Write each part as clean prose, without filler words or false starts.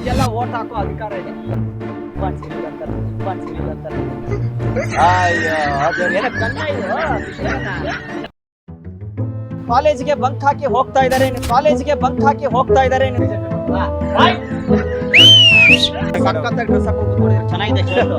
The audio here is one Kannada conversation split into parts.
ನಿಮ್ಗೆಲ್ಲ ಓಟ್ ಹಾಕೋ ಅಧಿಕಾರ ಇದೆ. ಅಯ್ಯೋ ಅದು ಏನೋ ಕನ್ನ ಇದು. ಕಾಲೇಜಿಗೆ ಬಂಕ್ ಹಾಕಿ ಹೋಗ್ತಾ ಇದಾರೆ, ಕಾಲೇಜಿಗೆ ಬಂಕ್ ಹಾಕಿ ಹೋಗ್ತಾ ಇದಾರೆ. ಸಖತ್ತಾಗಿ ಡ್ರೆಸ್ ಹಾಕೊಂಡು ಕೂತ್ಕೊಂಡಿದ್ದಾರೆ, ಚೆನ್ನಾಗಿದೆ ಶರ್ಟ್.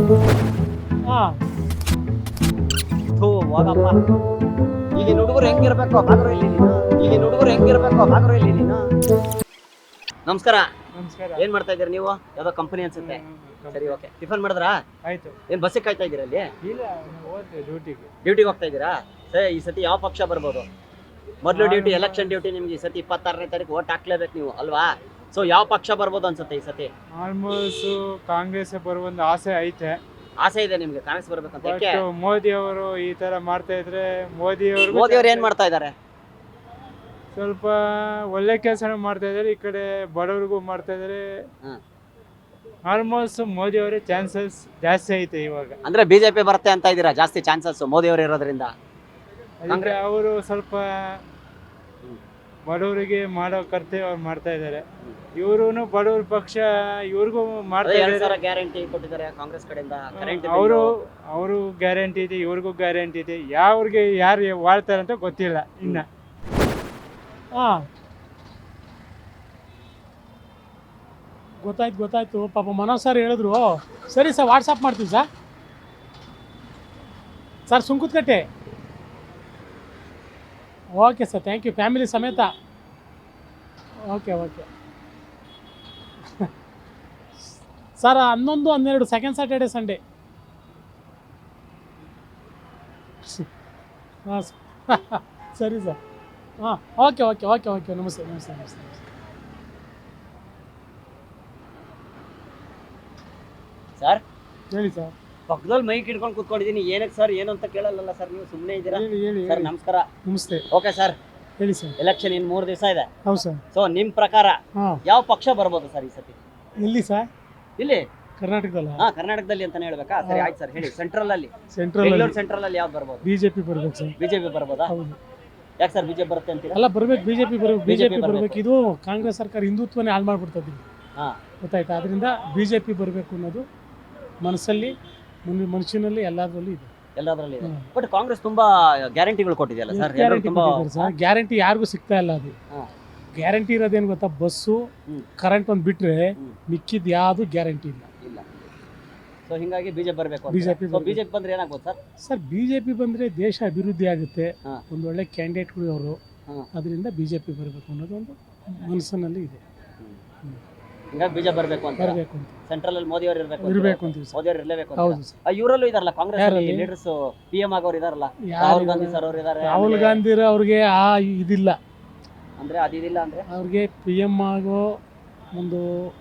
ಥೂ ಹೋಗಪ್ಪ. ಈಗಿನ ಹುಡುಗರು ಹೆಂಗಿರ್ಬೇಕು ಬಾಗ್ರು ಇಲ್ಲಿ ನೀನು, ಈಗಿನ ಹುಡುಗರು ಹೆಂಗಿರ್ಬೇಕು ಬಾಗ್ರು ಇಲ್ಲಿ ನೀನು. ನಮಸ್ಕಾರ. ನಮಸ್ಕಾರ. ಏನ್ ಮಾಡ್ತಾ ಇದ್ದೀರಾ ನೀವು? ಯಾವ್ದೋ ಕಂಪನಿ ಅನ್ಸುತ್ತೆ. ಸರಿ, ಓಕೆ. ಟಿಫನ್ ಮಾಡಿದ್ರಾ? ಆಯ್ತು. ಏನ್ ಬಸ್ಸಿಗೆ ಕಾಯ್ತಾ ಇದ್ದೀರಾ ಅಲ್ಲಿ? ಇಲ್ಲ, ಡ್ಯೂಟಿಗೆ ಹೋಗ್ತಾ ಇದ್ದೀರಾ? ಸರಿ, ಈ ಸತಿ ಯಾವ ಪಕ್ಷ ಬರ್ಬೋದು? ಮೊದಲು ಡ್ಯೂಟಿ, ಎಲೆಕ್ಷನ್ ಡ್ಯೂಟಿ ನಿಮ್ಗೆ ಈ ಸತಿ 26ನೇ ತಾರೀಕು ಓಟ್ ಹಾಕ್ಲೇಬೇಕು ನೀವು ಅಲ್ವಾ? ಸೊ ಯಾವ ಪಕ್ಷ ಬರ್ಬೋದು ಅನ್ಸುತ್ತೆ ಈ ಸತಿ? ಆಲ್ಮೋಸ್ಟ್ ಕಾಂಗ್ರೆಸ್ ಬರುವಂತ ಆಸೆ ಐತೆ. ಆಸೆ ಇದೆ ನಿಮ್ಗೆ ಕಾಂಗ್ರೆಸ್ ಬರ್ಬೇಕಂತ? ಯಾಕೆ? ಮೋದಿ ಅವರು ಈ ತರ ಮಾಡ್ತಾ ಇದ್ರೆ ಮೋದಿ ಅವರು ಏನ್ ಮಾಡ್ತಾ ಇದ್ದಾರೆ? ಸ್ವಲ್ಪ ಒಳ್ಳೆ ಕೆಲಸ ಮಾಡ್ತಾ ಇದಾರೆ, ಈ ಕಡೆ ಬಡವರಿಗೂ ಮಾಡ್ತಾ ಇದಾರೆ. ಆಲ್ಮೋಸ್ಟ್ ಮೋದಿ ಅವರೇ ಚಾನ್ಸಸ್ ಜಾಸ್ತಿ ಐತೆ ಇವಾಗ. ಅಂದ್ರೆ ಬಿಜೆಪಿ ಬರುತ್ತೆ ಅಂತ ಇದ್ದೀರಾ? ಜಾಸ್ತಿ ಚಾನ್ಸಸ್ ಮೋದಿ ಅವರು ಇರೋದ್ರಿಂದ. ಅಂದ್ರೆ ಅವರು ಸ್ವಲ್ಪ ಬಡವರಿಗೆ ಮಾಡೋ ಕರ್ತವ್ಯ ಅವ್ರು ಮಾಡ್ತಾ ಇದ್ದಾರೆ. ಇವರು ಬಡವ್ರ ಪಕ್ಷ, ಇವ್ರಿಗೂ ಮಾಡ್ತಾ ಇದ್ದಾರೆ. ಗ್ಯಾರಂಟಿ ಕೊಟ್ಟಿದ್ದಾರೆ ಕಾಂಗ್ರೆಸ್ ಕಡೆಯಿಂದ. ಅವರು ಗ್ಯಾರಂಟಿ ಇದೆ, ಇವ್ರಿಗೂ ಗ್ಯಾರಂಟಿ ಇದೆ. ಯಾವ್ರಿಗೆ ಯಾರು ವಾಳ್ತಾರೆ ಅಂತ ಗೊತ್ತಿಲ್ಲ ಇನ್ನ. ಗೊತ್ತಾಯ್ತು ಪಾಪ ಮನೋಜ್ ಸರ್ ಹೇಳಿದ್ರು. ಸರಿ ಸರ್, ವಾಟ್ಸಪ್ ಮಾಡ್ತೀವಿ sir Sunkadakatte. Okay sir, thank you. Family ಸಮೇತ. Okay sir, 11, 12 second Saturday Sunday. ಹಾಂ ಸರಿ ಸರ್. ಹಾಂ, ಓಕೆ. ನಮಸ್ತೆ. ಸರ್ ಹೇಳಿ ಸರ್. ಪಕ್ಕದಲ್ಲಿ ಮೈಕ್ ಇಟ್ಕೊಂಡು ಕೂತ್ಕೊಂಡಿದ್ದೀನಿ. ಏನಕ್ಕೆ ಸರ್, ಏನು ಅಂತ ಕೇಳಲ್ಲ ಸರ್, ನೀವು ಸುಮ್ಮನೆ ಇದ್ದೀರಾ? ಹೇಳಿ ಸರ್ ನಮಸ್ಕಾರ. ನಮಸ್ತೆ. ಓಕೆ ಸರ್, ಹೇಳಿ ಸರ್. ಎಲೆಕ್ಷನ್ ಇನ್ 3 ದಿವಸ ಇದೆ. ಹೌದು ಸರ್. ಸೊ ನಿಮ್ ಪ್ರಕಾರ ಯಾವ ಪಕ್ಷ ಬರ್ಬೋದು ಸರ್ ಈ ಸತಿ? ಎಲ್ಲಿ ಸರ್? ಇಲ್ಲಿ ಕರ್ನಾಟಕದಲ್ಲ? ಕರ್ನಾಟಕದಲ್ಲಿ ಅಂತಾನೆ ಹೇಳ್ಬೇಕಾ? ಸರಿ ಆಯ್ತು ಸರ್, ಹೇಳಿ. ಸೆಂಟ್ರಲ್ ಅಲ್ಲಿ ಸೆಂಟ್ರಲ್ ಅಲ್ಲಿ ಯಾವ್ದು ಬರ್ಬೋದು? ಬಿಜೆಪಿ ಬರ್ಬೇಕು ಸರ್. ಬಿಜೆಪಿ ಬರ್ಬೋದಾ? ಹೌದು. ಯಾಕೆ ಸರ್ ಬಿಜೆಪಿ ಬರುತ್ತೆ ಅಂತೀರಾ? ಅಲ್ಲ, ಬರ್ಬೇಕು. ಬಿಜೆಪಿ ಬರ್ಬೇಕು. ಇದು ಕಾಂಗ್ರೆಸ್ ಸರ್ಕಾರ ಹಿಂದುತ್ವನೇ ಹಾಳು ಮಾಡ್ಬಿಡ್ತದೆ, ಗೊತ್ತಾಯ್ತಾ? ಅದರಿಂದ ಬಿಜೆಪಿ ಬರಬೇಕು ಅನ್ನೋದು ಮನಸ್ಸಲ್ಲಿ, ಮನುಷ್ಯನಲ್ಲಿ ಎಲ್ಲದರಲ್ಲೂ ಇದೆ. ಎಲ್ಲದರಲ್ಲಿ ಇದೆ. ಬಟ್ ಕಾಂಗ್ರೆಸ್ ತುಂಬಾ ಗ್ಯಾರಂಟಿಗಳು ಕೊಟ್ಟಿದೆಯಲ್ಲ ಸರ್. ಗ್ಯಾರಂಟಿ ಯಾರಿಗೂ ಸಿಗ್ತಾ ಇಲ್ಲ. ಅದು ಗ್ಯಾರಂಟಿ ಇರೋದೇನು ಗೊತ್ತಾ? ಬಸ್ಸು, ಕರೆಂಟ್ ಒಂದು ಬಿಟ್ರೆ ಮಿಕ್ಕಿದ್ ಯಾವ್ದು ಗ್ಯಾರಂಟಿ ಇಲ್ಲ. ಸೊ ಹಿಂಗಾಗಿ ಬಿಜೆಪಿ ಬರಬೇಕು. ಬಿಜೆಪಿ ಬಂದ್ರೆ ಏನಾಗ್ಬೋದು ಸರ್? ಸರ್, ಬಿಜೆಪಿ ಬಂದ್ರೆ ದೇಶ ಅಭಿವೃದ್ಧಿ ಆಗುತ್ತೆ. ಒಂದು ಒಳ್ಳೆ ಕ್ಯಾಂಡಿಡೇಟ್ಗಳು ಅವರು. ಅದರಿಂದ ಬಿಜೆಪಿ ಬರಬೇಕು ಅನ್ನೋದು ಒಂದು ಮನಸ್ಸಿನಲ್ಲಿ ಇದೆ. ಹಿಂಗಾಗಿ ಬಿಜೆಪಿ ಬರಬೇಕು ಅಂತ. ಸೆಂಟ್ರಲ್ ಅಲ್ಲಿ ಮೋದಿ ಅವರು ಇರಬೇಕು ಅಂತೀವಿ. ಮೋದಿ ಅವರು ಇರಲೇಬೇಕು. ಹೌದು ಸರ್. ಇವರಲ್ಲೂ ಇದಾರಲ್ಲ ಕಾಂಗ್ರೆಸ್ ಲೀಡರ್ಸ್, PM ಆಗೋರು ಇದಾರಲ್ಲ, ರಾಹುಲ್ ಗಾಂಧಿ ಸರ್ ಅವರು ಇದಾರೆ. ರಾಹುಲ್ ಗಾಂಧಿ ಅವ್ರಿಗೆ ಇದಿಲ್ಲ ಅಂದ್ರೆ ಅದಿಲ್ಲ ಅಂದ್ರೆ ಅವ್ರಿಗೆ PM ಆಗೋ ಒಂದು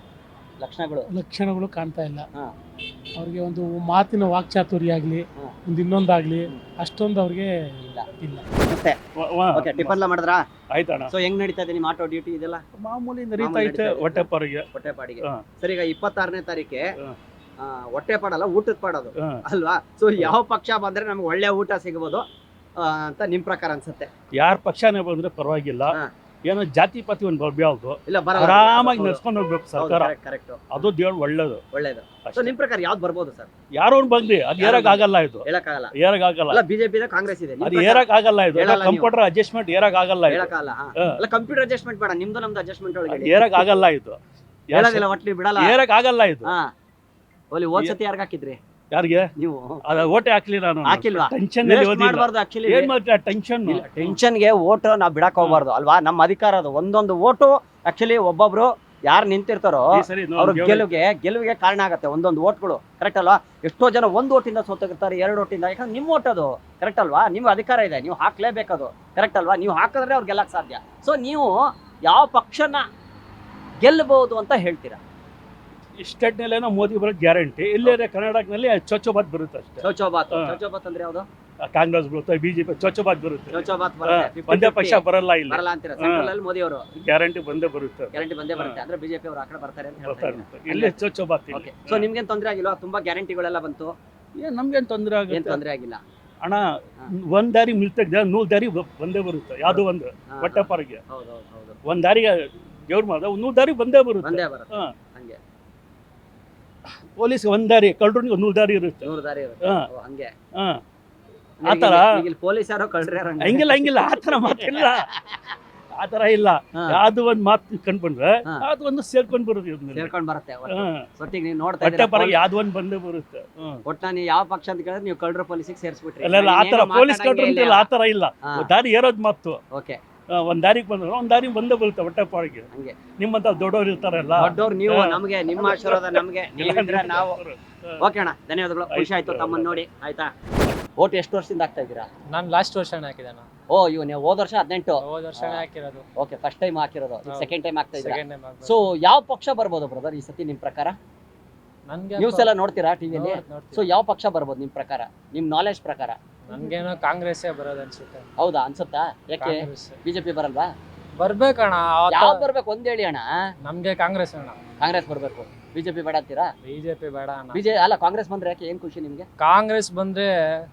ಲಕ್ಷಣಗಳು ಕಾಣ್ತಾ ಇಲ್ಲ. ಅವ್ರಿಗೆ ಒಂದು ಮಾತಿನ ವಾಕ್ಚಾತುರ್ಯ ಆಗ್ಲಿ, ಒಂದು ಇನ್ನೊಂದಾಗ್ಲಿ ಅಷ್ಟೊಂದು ಅವ್ರಿಗೆ ಇಲ್ಲ. ಮತ್ತೆ ಟಿಫನ್ ಎಲ್ಲ ಮಾಡಿದ್ರಾ? ಆಯ್ತಣ್ಣ. ಸೊ ಹೆಂಗ್ ನಡೀತಾ ಇದೆ ನಿಮ್ಮ ಆಟೋ ಡ್ಯೂಟಿ? ಇದೆಲ್ಲ ಮಾಮೂಲಿ ನಡೀತಾ ಐತೆ. ಹೊಟ್ಟೆಪಾಡಿಗೆ. ಸರಿ, ಈಗ 26ನೇ ತಾರೀಕೆ ಹೊಟ್ಟೆಪಾಡಲ್ಲ, ಊಟದ ಪಾಡೋದು ಅಲ್ವಾ? ಸೊ ಯಾವ ಪಕ್ಷ ಬಂದ್ರೆ ನಮ್ಗೆ ಒಳ್ಳೆ ಊಟ ಸಿಗಬಹುದು ಅಂತ ನಿಮ್ ಪ್ರಕಾರ ಅನ್ಸುತ್ತೆ? ಯಾರ ಪಕ್ಷನೇ ಬಂದ್ರೆ ಪರವಾಗಿಲ್ಲ. ಏನೋ ಜಾತಿ ಪಾತಿ ಒಂದು ಬರ್ಬ್ಯಾವ್ದು ಆರಾಮಾಗಿ ನಡ್ಸ್ಕೊಂಡು ಹೋಗ್ಬೇಕು ಸರ್ಕಾರ. ಅದು ದೇವ್ರು ಒಳ್ಳೇದು. ನಿಮ್ ಪ್ರಕಾರ ಯಾವ್ದು ಬರ್ಬೋದು ಸರ್? ಯಾರೋ ಒಂದು ಬಂದ್ರಿ, ಅದು ಏರಕ್ ಆಗಲ್ಲ. ಇದು ಏರಕ್ ಆಗಲ್ಲ. ಬಿಜೆಪಿ ಇದೆ, ಕಾಂಗ್ರೆಸ್ ಇದೆ. ಅದು ಏರಕ್ ಆಗಲ್ಲ. ಇದು ಕಂಪ್ಯೂಟರ್ ಅಡ್ಜಸ್ಟ್ಮೆಂಟ್ ಏರಕ್ ಆಗಲ್ಲ. ಕಂಪ್ಯೂಟರ್ ಅಡ್ಜಸ್ಟ್ಮೆಂಟ್ ಬೇಡ, ನಮ್ದು ಅಡ್ಜಸ್ಟ್ಮೆಂಟ್ ಒಳಗೆ ಏರಕ್ ಆಗಲ್ಲ. ಇದು ಒಟ್ಲಿ ಬಿಡಲ್ಲ, ಏರಕ್ ಆಗಲ್ಲ. ಇದು ಹೋದ್ ಸತಿ ಯಾರ್ಗ ಹಾಕಿದ್ರಿ? ಯಾರಿಗೆ? ನೀವು ಓಟೆ ಹಾಕ್ಲಿ. ನಾನು ಹಾಕಿಲ್ವಾ? ಟೆನ್ಷನ್ ಟೆನ್ಷನ್ಗೆ ಓಟ್ ನಾವು ಬಿಡಕ್ ಹೋಗ್ಬಾರ್ದು ಅಲ್ವಾ? ನಮ್ಮ ಅಧಿಕಾರ ಅದು. ಒಂದೊಂದು ಓಟು ಆಕ್ಚುಲಿ ಒಬ್ಬೊಬ್ರು ಯಾರು ನಿಂತಿರ್ತಾರೋ ಅವ್ರ ಗೆಲುವಿಗೆ ಕಾರಣ ಆಗತ್ತೆ. ಒಂದೊಂದು ಓಟ್ಗಳು, ಕರೆಕ್ಟ್ ಅಲ್ವಾ? ಎಷ್ಟೋ ಜನ 1 ಓಟಿಂದ ಸೋತಿರ್ತಾರೆ, 2 ಓಟಿಂದ. ಯಾಕಂದ್ರೆ ನಿಮ್ಮ ಓಟ್ ಅದು, ಕರೆಕ್ಟ್ ಅಲ್ವಾ? ನಿಮ್ಗೆ ಅಧಿಕಾರ ಇದೆ, ನೀವು ಹಾಕ್ಲೇಬೇಕದು, ಕರೆಕ್ಟ್ ಅಲ್ವಾ? ನೀವು ಹಾಕಿದ್ರೆ ಅವ್ರು ಗೆಲ್ಲಕ್ ಸಾಧ್ಯ. ಸೊ ನೀವು ಯಾವ ಪಕ್ಷನ ಗೆಲ್ಲಬಹುದು ಅಂತ ಹೇಳ್ತೀರಾ? ಸ್ಟೇಟ್ನಲ್ಲೇನೋ ಮೋದಿ ಬರೋದು ಗ್ಯಾರಂಟಿ. ಇಲ್ಲೇ ಕರ್ನಾಟಕದಲ್ಲಿ ಚೊಚ್ಚೋಬಾತ್ ಬರುತ್ತೆ ಅಷ್ಟೇ. ಚೌಚೌಬಾತ್ ಅಂದ್ರೆ ಯಾವ್ದು? ಕಾಂಗ್ರೆಸ್ ಬರುತ್ತೆ, ಬಿಜೆಪಿ ಚೊಚ್ಚೋಬಾತ್ ಬರುತ್ತೆ. ಒಂದೇ ಪಕ್ಷ ಬರಲ್ಲ ಇಲ್ಲ. ಮೋದಿ ಅವರು ಗ್ಯಾರಂಟಿ ಬಂದೇ ಬರುತ್ತೆ. ಅಂದ್ರೆ ಬಿಜೆಪಿ ಅವರು ಆ ಕಡೆ ಬರ್ತಾರೆ ಅಂತ ಹೇಳ್ತಾರೆ. ಇಲ್ಲೇ ಚೊಚ್ಚೋಬಾತ್. ಸೊ ನಿಮ್ಗೇನ್ ತೊಂದ್ರೆ ಆಗಿಲ್ವಾ? ತುಂಬಾ ಗ್ಯಾರಂಟಿಗಳೆಲ್ಲ ಬಂತು. ನಮ್ಗೇನ್ ತೊಂದ್ರೆ ಆಗುತ್ತೆ? ಏನ್ ತೊಂದ್ರೆ ಆಗಿಲ್ಲ ಅಣ್ಣ. ಒಂದ್ ದಾರಿ ಮಿಲ್ತದೆ, 100 ದಾರಿ ಬಂದೇ ಬರುತ್ತೆ. ಯಾವ್ದು ಒಂದು ಹೊಟ್ಟೆಪಾರಿಗೆ. ಒಂದ್ ದಾರಿಗೆ ದೇವ್ರ ಮಾಡ ಒಂದೂರು ದಾರಿ ಬಂದೇ ಬರುತ್ತೆ. ಬಂದೇ ಬರುತ್ತೆ ಹಾ. ಹಂಗೆ ಪೊಲೀಸ್ ಒಂದ್ ದಾರಿ, ಕಳ್ಳರಿಗೆ ಒಂದೂರು ದಾರಿ ಇರುತ್ತೆ. 100 ದಾರಿ ಇರುತ್ತೆ. ಹಾ. ಓ, ಹಂಗೆ ಹಾ. ಆ ಥರ ಈಗ ಪೊಲೀಸ್ ಯಾರೋ ಕಳ್ರಿ ಯಾರೋ ಹಂಗಿಲ್ಲ ಆ ಥರ ಮಾತಿಲ್ಲ, ಆ ಥರ ಇಲ್ಲ. ಯಾವ್ದು ಒಂದ್ ಮಾತು ಕಂಡ್ಬಂದ್ರೆ ಅದು ಒಂದು ಸೇರ್ಕೊಂಡ್ ಬರುತ್ತೆ ಇದ್ರಲ್ಲಿ. ಸೇರ್ಕೊಂಡ್ ಬರುತ್ತೆ ಹಾ. ಒಟ್ಟಿಗೆ ನೀವು ನೋಡ್ತಾ ಬಟ್ಟೆ ಪರ ಯಾವ್ದು ಒಂದ್ ಬಂದೇ ಬರುತ್ತೆ. ಒಟ್ಟ ನೀವು ಯಾವ ಪಕ್ಷ ಅಂತ ಕೇಳಿದ್ರೆ ನೀವು ಕಳ್ಳರ ಪೊಲೀಸಿಗೆ ಸೇರಿಸ್ಬಿಟ್ರಿ. ಅಲ್ಲ ಆ ಥರ ಪೊಲೀಸ್ ಕಳ್ರು ಅಂತಿಲ್ಲ, ಆ ಥರ ಇಲ್ಲ. ದಾರಿ ಏರೋದ್ ಮಾತು. ಓಕೆ, ಒಂದ್ ದಾರಿಗೆ ಬಂದ್ರೆ ಒಂದ್ ದಾರಿ ಬಂದೇ ಬರುತ್ತೆ ಹೊಟ್ಟೆ ಪಾಡಿಗೆ. ಹಂಗೆ ನಿಮ್ಮಂತ ದೊಡ್ಡವ್ರು ಇರ್ತಾರಲ್ಲ, ದೊಡ್ಡವ್ರು ನೀವು, ನಮಗೆ ನಿಮ್ಮ ಆಶೀರ್ವಾದ ನಮಗೆ, ನೀವಿದ್ರೆ ನಾವು. ಓಕೆ ಅಣ್ಣ, ಧನ್ಯವಾದಗಳು. ಖುಷಿ ಆಯ್ತು ತಮ್ಮನ್ನ ನೋಡಿ. ಆಯ್ತಾ, ಓಟ್ ಎಷ್ಟು ವರ್ಷದಿಂದ ಹಾಕ್ತಾ ಇದ್ದೀರಾ? ನಾನು ಲಾಸ್ಟ್ ವರ್ಷನೇ ಹಾಕಿದೆ. ಓ, ನೀವು ಹೋದ ವರ್ಷ 18. ಹೋದ ವರ್ಷನೇ ಹಾಕಿರೋದು. ಓಕೆ, ಫಸ್ಟ್ ಟೈಮ್ ಹಾಕಿರೋದು, ಸೆಕೆಂಡ್ ಟೈಮ್ ಹಾಕ್ತಾ ಇದ್ದೀರಾ. ಸೆಕೆಂಡ್ ಟೈಮ್ ಸೊ ಯಾವ ಪಕ್ಷ ಬರ್ಬೋದು ಬ್ರದರ್ ಈ ಸತಿ ನಿಮ್ ಪ್ರಕಾರ? ನನ್ಗೆ ನ್ಯೂಸ್ ಎಲ್ಲ ನೋಡ್ತೀರಾ ಟಿವಿಯಲ್ಲಿ? ಸೊ ಯಾವ ಪಕ್ಷ ಬರ್ಬೋದು ನಿಮ್ ಪ್ರಕಾರ, ನಿಮ್ ನಾಲೆಜ್ ಪ್ರಕಾರ? ನನ್ಗೇನೋ ಕಾಂಗ್ರೆಸ್ಸೇ ಬರೋದು ಅನ್ಸುತ್ತೆ. ಹೌದಾ, ಅನ್ಸುತ್ತಾ? ಯಾಕೆ ಬಿಜೆಪಿ ಬರಲ್ವಾ? ಬರ್ಬೇಕಣ್ಣ. ಯಾವ್ದು ಬರ್ಬೇಕು ಒಂದ್ ಹೇಳಿ ಅಣ್ಣ. ನಮ್ಗೆ ಕಾಂಗ್ರೆಸ್ ಅಣ್ಣ. ಕಾಂಗ್ರೆಸ್ ಬರ್ಬೇಕು, ಬಿಜೆಪಿ ಬೇಡ ಅಂತೀರಾ? ಬಿಜೆಪಿ ಬೇಡ ಅಣ್ಣ. ಅಲ್ಲ, ಕಾಂಗ್ರೆಸ್ ಬಂದ್ರೆ ಯಾಕೆ, ಏನ್ ಖುಷಿ ನಿಮ್ಗೆ? ಕಾಂಗ್ರೆಸ್ ಬಂದ್ರೆ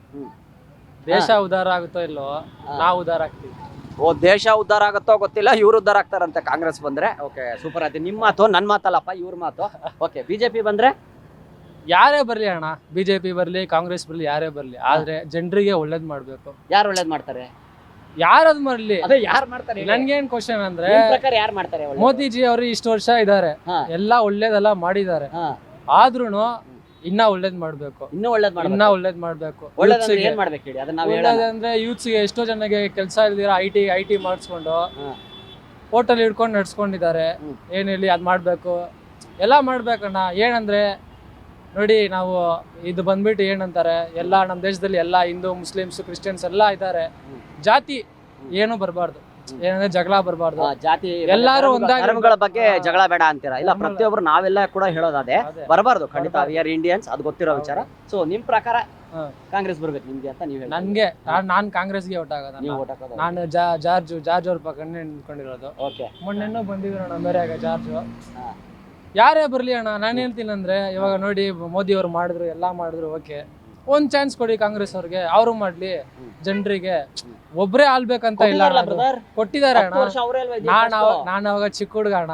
ದೇಶ ಉದ್ಧಾರ ಆಗುತ್ತೋ ಇಲ್ಲೋ, ನಾವು ಉದ್ಧಾರ ಆಗ್ತೀವಿ. ಓ, ದೇಶ ಉದ್ಧಾರ ಆಗುತ್ತೋ ಗೊತ್ತಿಲ್ಲ, ಇವ್ರು ಉದ್ಧಾರ ಆಗ್ತಾರಂತೆ ಕಾಂಗ್ರೆಸ್ ಬಂದ್ರೆ. ಓಕೆ, ಸೂಪರ್ ಆಯ್ತು. ನಿಮ್ಮ ಮಾತು, ನನ್ ಮಾತಲ್ಲಪ್ಪ, ಇವ್ರ ಮಾತು. ಓಕೆ, ಬಿಜೆಪಿ ಬಂದ್ರೆ ಯಾರೇ ಬರ್ಲಿ ಅಣ್ಣ, ಬಿಜೆಪಿ ಬರ್ಲಿ ಕಾಂಗ್ರೆಸ್ ಬರ್ಲಿ ಯಾರೇ ಬರ್ಲಿ, ಆದ್ರೆ ಜನರಿಗೆ ಒಳ್ಳೇದ್ ಮಾಡ್ಬೇಕು. ಯಾರು ಒಳ್ಳೇದ್ ಮಾಡ್ತಾರೆ? ಯಾರದ್ ಬರ್ಲಿ, ಅದೇ ಯಾರು ಮಾಡ್ತಾರೆ? ನನ್ಗೇನ್ ಕ್ವಶನ್ ಅಂದ್ರೆ, ನಿಮ್ ಪ್ರಕಾರ ಯಾರು ಮಾಡ್ತಾರೆ? ಮೋದಿಜಿ ಅವರು ಇಷ್ಟು ವರ್ಷ ಇದಾರೆ, ಎಲ್ಲಾ ಒಳ್ಳೇದೆಲ್ಲ ಮಾಡಿದ್ದಾರೆ, ಆದ್ರೂನು ಇನ್ನ ಒಳ್ಳೇದ್ ಮಾಡ್ಬೇಕು. ಇನ್ನೂ ಒಳ್ಳೇದ್ ಇನ್ನ ಒಳ್ಳೇದ್ ಮಾಡ್ಬೇಕು. ಏನ್ ಮಾಡ್ಬೇಕು ಹೇಳಿ, ಅದನ್ನ ನಾವು ಹೇಳೋಣ. ಒಳ್ಳೇದಂದ್ರೆ ಯೂತ್ಸ್ ಗೆ ಎಷ್ಟೋ ಜನಕ್ಕೆ ಕೆಲಸ ಇಲ್ದಿರ ಐಟಿ ಮಾಡಿಸ್ಕೊಂಡು ಹೋಟೆಲ್ ಹಿಡ್ಕೊಂಡು ನಡ್ಸ್ಕೊಂಡಿದ್ದಾರೆ. ಏನ್ ಹೇಳಿ ಅದ್ ಮಾಡ್ಬೇಕು, ಎಲ್ಲ ಮಾಡ್ಬೇಕಣ್ಣ. ಏನಂದ್ರೆ ನೋಡಿ, ನಾವು ಇದು ಬಂದ್ಬಿಟ್ಟು ಏನಂತಾರೆ, ಎಲ್ಲ ನಮ್ಮ ದೇಶದಲ್ಲಿ ಎಲ್ಲ ಹಿಂದೂ ಮುಸ್ಲಿಮ್ಸ್ ಕ್ರಿಶ್ಚಿಯನ್ಸ್ ಎಲ್ಲ ಇದ್ದಾರೆ, ಜಾತಿ ಏನು ಬರಬಾರ್ದು, ಏನಂದ್ರೆ ಜಗಳ ಬರಬಾರ್ದು, ಜಾತಿ ಎಲ್ಲಾರು ಒಂದಾಗಿ ಧರ್ಮಗಳ ಬಗ್ಗೆ ಜಗಳ ಬೇಡ ಅಂತೀರಾ? ಇಲ್ಲ, ಪ್ರತಿಯೊಬ್ರು ನಾವೆಲ್ಲ ಕೂಡ ಹೇಳೋದೇ ಬರಬಾರ್ದು, ಖಂಡಿತ. ವಿ ಆರ್ ಇಂಡಿಯನ್ಸ್, ಅದು ಗೊತ್ತಿರೋ ವಿಚಾರ. ಸೊ ನಿಮ್ ಪ್ರಕಾರ ಕಾಂಗ್ರೆಸ್ ಬರ್ಬೇಕು ನಿಮ್ಗೆ ಅಂತ ನೀವು ಹೇಳಿ? ನನ್ಗೆ ನಾನ್ ಕಾಂಗ್ರೆಸ್ಗೆ ಓಟ್ ಆಗೋದು. ನೀವು ಓಟ್ ಹಾಕೋದು? ನಾನು ಜಾರ್ಜ್ ಅವ್ರ ಪಕ್ಕನೆ ನಿಂತ್ಕೊಂಡಿರೋದು. ಓಕೆ, ಮೊನ್ನೆನೂ ಬಂದಿದ್ರು ಅಣ್ಣ ಮೇರೆಯಾಗ ಜಾರ್ಜ್. ಯಾರೇ ಬರ್ಲಿ ಅಣ್ಣ, ನಾನು ಹೇಳ್ತೀನಿ ಅಂದ್ರೆ, ಇವಾಗ ನೋಡಿ ಮೋದಿ ಅವ್ರು ಮಾಡಿದ್ರು, ಎಲ್ಲಾ ಮಾಡಿದ್ರು, ಓಕೆ, ಒಂದ್ ಚಾನ್ಸ್ ಕೊಡಿ ಕಾಂಗ್ರೆಸ್ ಅವ್ರಿಗೆ, ಅವರು ಮಾಡ್ಲಿ. ಜನರಿಗೆ ಒಬ್ರೇ ಆಳ್ಬೇಕಂತ ಇಲ್ಲ, ಕೊಟ್ಟಿದ್ದಾರೆ ಅಣ್ಣ. ನಾನು ಅವಾಗ ಚಿಕ್ಕ ಹುಡುಗ ಅಣ್ಣ,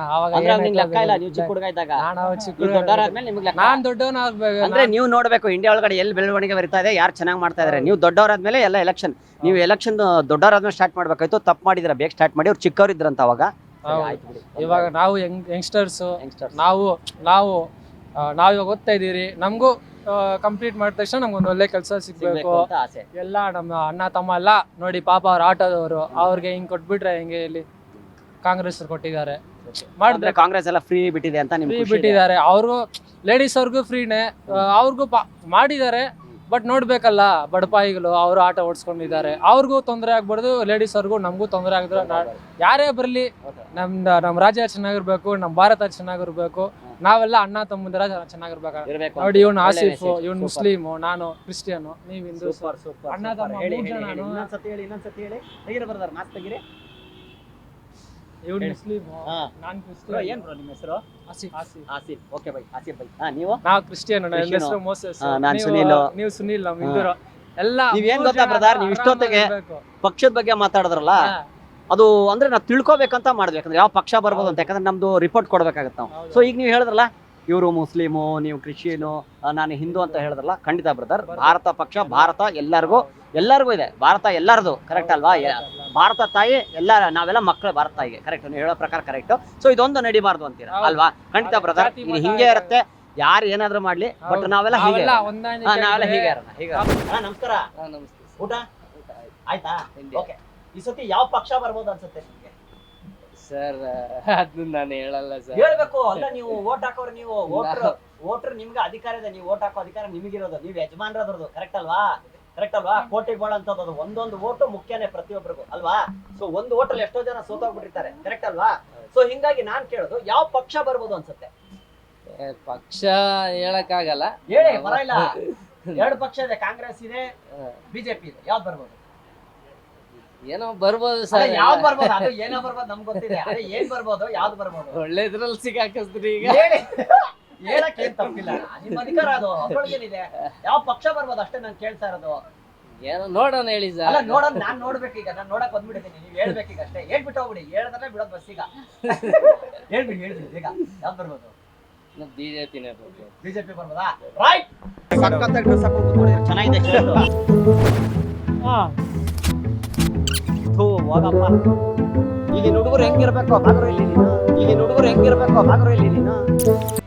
ನಾನ್ ದೊಡ್ಡವನ ಆಗ್ಬೇಕು. ಅಂದ್ರೆ ನೀವು ನೋಡ್ಬೇಕು ಇಂಡಿಯಾ ಒಳಗಡೆ ಎಲ್ಲಿ ಬೆಳವಣಿಗೆ ಬರ್ತಾ ಇದೆ, ಯಾರು ಚೆನ್ನಾಗಿ ಮಾಡ್ತಾ ಇದಾರೆ. ನೀವು ದೊಡ್ಡವರಾದ್ಮೇಲೆ ಎಲ್ಲ ಎಲೆಕ್ಷನ್, ನೀವು ಎಲೆಕ್ಷನ್ ದೊಡ್ಡವರಾದ್ಮೇಲೆ ಸ್ಟಾರ್ಟ್ ಮಾಡ್ಬೇಕಾಯ್ತು. ತಪ್ಪು ಮಾಡಿದ್ರ, ಬೇಗ ಸ್ಟಾರ್ಟ್ ಮಾಡಿ. ಅವ್ರು ಚಿಕ್ಕವ್ರು ಇದ್ರಂತ ಅವಾಗ. ಇವಾಗ ನಾವು ಯಂಗ್ಸ್ಟರ್ಸ್, ನಾವು ಇವಾಗ ಓದ್ತಾ ಇದೀರಿ, ನಮಗೂ ಕಂಪ್ಲೀಟ್ ಮಾಡಿದ ತಕ್ಷಣ ನಮ್ಗೊಂದು ಒಳ್ಳೆ ಕೆಲಸ ಸಿಗ್ಬೇಕು ಎಲ್ಲ. ನಮ್ಮ ಅಣ್ಣ ತಮ್ಮ ಎಲ್ಲ ನೋಡಿ, ಪಾಪ ಅವ್ರ ಆಟೋದವರು, ಅವ್ರಿಗೆ ಹಿಂಗ್ ಕೊಟ್ಬಿಟ್ರೆ ಹೆಂಗೆ? ಇಲ್ಲಿ ಕಾಂಗ್ರೆಸ್ ಕೊಟ್ಟಿದ್ದಾರೆ, ಮಾಡಿದ್ರೆ ಕಾಂಗ್ರೆಸ್ ಎಲ್ಲ ಫ್ರೀ ಬಿಟ್ಟಿದೆ ಅಂತ ಫ್ರೀ ಬಿಟ್ಟಿದ್ದಾರೆ. ಅವ್ರಿಗೂ ಲೇಡೀಸ್ ಅವ್ರಿಗೂ ಫ್ರೀನೇ, ಅವ್ರಿಗೂ ಮಾಡಿದ್ದಾರೆ. ಬಟ್ ನೋಡ್ಬೇಕಲ್ಲ, ಬಡಪಾಯಿಗಳು ಅವರು ಆಟ ಓಡಿಸ್ಕೊಂಡಿದ್ದಾರೆ, ಅವ್ರಿಗೂ ತೊಂದರೆ ಆಗ್ಬಾರ್ದು, ಲೇಡೀಸ್ ಅವ್ರಿಗೂ ನಮಗೂ ತೊಂದರೆ ಆಗಿದ್ರೆ ಯಾರೇ ಬರಲಿ, ನಮ್ಮ ರಾಜ್ಯ ಚೆನ್ನಾಗಿರ್ಬೇಕು, ನಮ್ಮ ಭಾರತ ಚೆನ್ನಾಗಿರ್ಬೇಕು, ನಾವೆಲ್ಲ ಅಣ್ಣ ತಮ್ಮಂದಿರ ಚೆನ್ನಾಗಿರ್ಬೇಕು. ನೋಡಿ, ಇವ್ನು ಆಸಿಫ್, ಇವ್ನು ಮುಸ್ಲಿಮು, ನಾನು ಕ್ರಿಶ್ಚಿಯನ್, ನೀವ್ ಹಿಂದೂ. ಅಣ್ಣ ತಮ್ಮ ಇವ್ನು ಮುಸ್ಲಿಮು, ನಾನ್ ಕ್ರಿಶ್ಚಿಯನ್. ಏನ್ ಬ್ರೋ ನಿಮ್ಮ ಹೆಸರು? Asif. Okay bye, Asif bye. ನೀವು? ನಾವು ಕ್ರಿಶ್ಚಿಯನ್. ನನ್ನ ಹೆಸರು ಮೋಸೆಸ್. ನಾನು ಸುನೀಲ್. ನೀವು ಸುನೀಲ್, ನಮ್ಮ ಹಿಂದೂರು ಎಲ್ಲ. ನೀವೇನ್ ಗೊತ್ತಾ ಬ್ರದರ್, ನೀವು ಇಷ್ಟೊತ್ತಿಗೆ ಪಕ್ಷದ ಬಗ್ಗೆ ಮಾತಾಡಿದ್ರಲ್ಲ, ಅದು ಅಂದ್ರೆ ನಾವು ತಿಳ್ಕೊಬೇಕಂತ ಮಾಡ್ಬೇಕಂದ್ರೆ ಯಾವ ಪಕ್ಷ ಬರ್ಬೋದು ಅಂತ. ಯಾಕಂದ್ರೆ ನಮ್ದು ರಿಪೋರ್ಟ್ ಕೊಡ್ಬೇಕಾಗತ್ತೆ ನಾವು. ಸೊ ಈಗ ನೀವು ಹೇಳಿದ್ರಲ್ಲ, ಇವರು ಮುಸ್ಲಿಮು, ನೀವು ಕ್ರಿಶ್ಚಿಯನು, ನಾನು ಹಿಂದೂ ಅಂತ ಹೇಳಿದ್ರಲ್ಲ, ಖಂಡಿತ ಬ್ರದರ್, ಭಾರತ ಪಕ್ಷ, ಭಾರತ ಎಲ್ಲರಿಗೂ ಇದೆ. ಭಾರತ ಎಲ್ಲರದು, ಕರೆಕ್ಟ್ ಅಲ್ವಾ? ಭಾರತ ತಾಯಿ ಎಲ್ಲ, ನಾವೆಲ್ಲ ಮಕ್ಕಳು ಭಾರತ ತಾಯಿಗೆ, ಕರೆಕ್ಟ್? ನೀವು ಹೇಳೋ ಪ್ರಕಾರ ಕರೆಕ್ಟ್. ಸೊ ಇದೊಂದು ನಡಿಬಾರ್ದು ಅಂತೀರಾ ಅಲ್ವಾ? ಖಂಡಿತ ಬ್ರದರ್, ಇದು ಹಿಂಗೆ ಇರುತ್ತೆ, ಯಾರು ಏನಾದ್ರು ಮಾಡ್ಲಿ, ಬಟ್ ನಾವೆಲ್ಲ ಹೀಗೆ ಇರೋಣ. ಹೀಗೆ. ನಮಸ್ಕಾರ. ಊಟ ಆಯ್ತಾ? ಓಕೆ, ಈ ಸತಿ ಯಾವ ಪಕ್ಷ ಬರ್ಬೋದು ಅನ್ಸುತ್ತೆ ನಿಮ್ಗೆ? ಸರ್ ಅದನ್ನ ನಾನು ಹೇಳಲ್ಲ ಸರ್. ಹೇಳ್ಬೇಕು ಅಲ್ಲ, ನೀವು ವೋಟ್ ಹಾಕೋರು, ನೀವು ವೋಟರ್, ನಿಮ್ಗೆ ಅಧಿಕಾರ ಇದೆ, ನೀವು ವೋಟ್ ಹಾಕೋ ಅಧಿಕಾರ ನಿಮಗಿರೋದು, ನೀವು ಯಜಮಾನ್ರದ್ರದ್ದು, ಕರೆಕ್ಟ್ ಅಲ್ವಾ? ಕೋಟಿಗೆ ಬಾಳಂತದ್ದು ಒಂದೊಂದು ವೋಟು ಮುಖ್ಯನೇ ಪ್ರತಿಯೊಬ್ಬರಿಗೂ ಅಲ್ವಾ? ಸೊ ಒಂದು ವೋಟಲ್ಲಿ ಎಷ್ಟೋ ಜನ ಸೋತೋಗ್ಬಿಟ್ಟಿರ್ತಾರೆ, ಕರೆಕ್ಟ್ ಅಲ್ವಾ? ಸೊ ಹಿಂಗಾಗಿ ನಾನ್ ಕೇಳೋದು, ಯಾವ ಪಕ್ಷ ಬರ್ಬೋದು ಅನ್ಸುತ್ತೆ? ಪಕ್ಷ ಹೇಳಕ್ಕಾಗಲ್ಲ, ಹೇಳಿ, ಪರವಾಗಿಲ್ಲ. 2 ಪಕ್ಷ ಇದೆ, ಕಾಂಗ್ರೆಸ್ ಇದೆ, ಬಿಜೆಪಿ ಇದೆ, ಯಾವ್ದು ಬರ್ಬೋದು? ಏನೋ ಬರ್ಬೋದು ಸರ್. ಯಾವ್ದು ಬರ್ಬೋದು? ಅದು ಏನೋ ಬರ್ಬೋದು, ನಮ್ಗೆ ಗೊತ್ತಿದೆ. ಅದೇ ಏನ್ ಬರ್ಬೋದು, ಯಾವ್ದು ಬರ್ಬೋದು? ಒಳ್ಳೇದ್ರಲ್ಲಿ ಸಿಕ್ಕಾಕಿಸ್ತ್ರಿ ಈಗ. ಹೇಳಕ್ ಏನ್ ತಪ್ಪಿಲ್ಲ, ನಿಮ್ಮ ಅಧಿಕಾರ ಅದು, ಅದ್ರೊಳಗೇನಿದೆ. ಯಾವ ಪಕ್ಷ ಬರ್ಬೋದು ಅಷ್ಟೇ ನಾನು ಕೇಳ್ತಾ ಇರೋದು. ಏನೋ ನೋಡೋಣ ಹೇಳಿ ಸರ್. ಅಲ್ಲ, ನೋಡೋಣ, ನಾನ್ ನೋಡ್ಬೇಕೀಗ, ನಾನು ನೋಡಕ್ ಬಂದ್ಬಿಟ್ಟಿದ್ದೀನಿ, ನೀವ್ ಹೇಳ್ಬೇಕೀಗ ಅಷ್ಟೇ. ಹೇಳ್ಬಿಟ್ಟು ಹೋಗ್ಬಿಡಿ, ಹೇಳಿದ್ರೆ ಬಿಡೋದು ಬಸ್ ಈಗ. ಹೇಳ್ಬಿಡಿ ಬೇಗ ಯಾವ್ದು ಬರ್ಬೋದು? ಬಿಜೆಪಿನೇ ಬರ್ಬೋದು. ಬಿಜೆಪಿ ಬರ್ಬೋದಾ? ರೈಟ್. ಸಖತ್ತಾಗಿ ಡ್ರೆಸ್ ಹಾಕೊಂಡು ಕೂತ್ಕೊಂಡಿದ್ದಾರೆ. ಚೆನ್ನಾಗಿದೆ ಶರ್ಟ್. ಹಾಂ ಥೂ ಹೋಗಪ್ಪ. ಈಗಿನ ಹುಡುಗರು ಹೆಂಗಿರ್ಬೇಕು ಬಾಗ್ರು ಇಲ್ಲಿ ನೀನು. ಈಗಿನ ಹುಡುಗರು ಹೆಂಗಿರ್ಬೇಕು ಬಾಗ್ರು ಇಲ್ಲಿ ನೀನು.